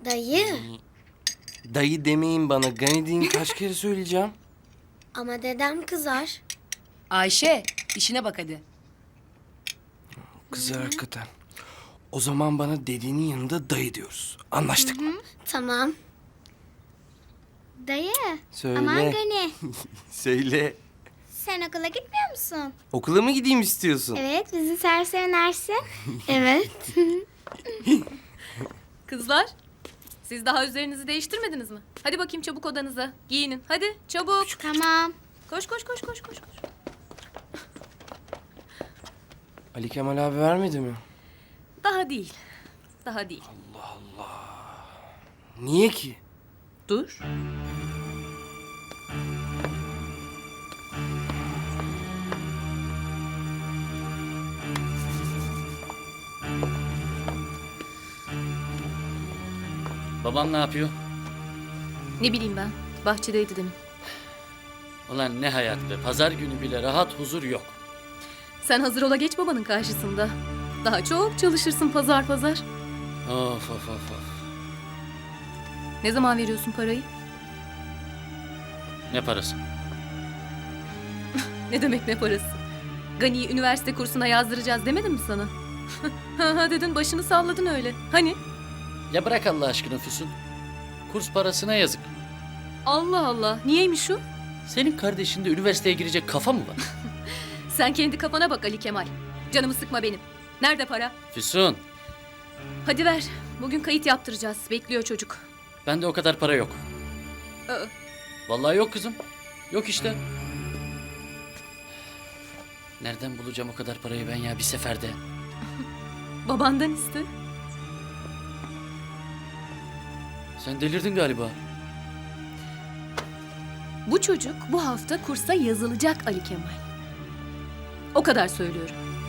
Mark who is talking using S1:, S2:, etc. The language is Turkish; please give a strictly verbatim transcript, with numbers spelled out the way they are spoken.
S1: Dayı.
S2: Dayı demeyin bana. Gani deyin kaç kere söyleyeceğim.
S1: Ama dedem kızar.
S3: Ayşe, işine bak hadi.
S2: Kızlar hakikaten. O zaman bana dediğinin yanında dayı diyoruz. Anlaştık mı?
S1: Tamam.
S4: Dayı.
S2: Söyle.
S4: Aman Gani.
S2: Söyle.
S4: Sen okula gitmiyor musun?
S2: Okula mı gideyim istiyorsun?
S4: Evet, bizi serse önersin.
S1: Evet.
S5: Kızlar, siz daha üzerinizi değiştirmediniz mi? Hadi bakayım çabuk odanıza. Giyinin. Hadi çabuk.
S4: Tamam.
S5: Koş koş koş koş koş. koş.
S2: Ali Kemal abi vermedi mi?
S5: Daha değil. Daha değil.
S2: Niye ki?
S5: Dur.
S6: Babam ne yapıyor?
S5: Ne bileyim ben. Bahçedeydi demin.
S6: Ulan ne hayat be. Pazar günü bile rahat huzur yok.
S5: Sen hazır ola geç babanın karşısında. Daha çok çalışırsın pazar pazar.
S6: Of of of of.
S5: Ne zaman veriyorsun parayı?
S6: Ne parası?
S5: Ne demek ne parası? Gani'yi üniversite kursuna yazdıracağız demedim mi sana? Ha ha dedin, başını salladın öyle. Hani?
S6: Ya bırak Allah aşkına Füsun. Kurs parasına yazık.
S5: Allah Allah. Niyeymiş o?
S6: Senin kardeşinde üniversiteye girecek kafa mı var?
S5: Sen kendi kafana bak Ali Kemal. Canımı sıkma benim. Nerede para?
S6: Füsun,
S5: Hadi ver. Bugün kayıt yaptıracağız. Bekliyor çocuk.
S6: bende o kadar para yok.
S5: Aa,
S6: Vallahi yok kızım. Yok işte. Nereden bulacağım o kadar parayı ben ya bir seferde?
S5: babandan iste.
S6: Sen delirdin galiba.
S5: Bu çocuk bu hafta kursa yazılacak Ali Kemal. O kadar söylüyorum.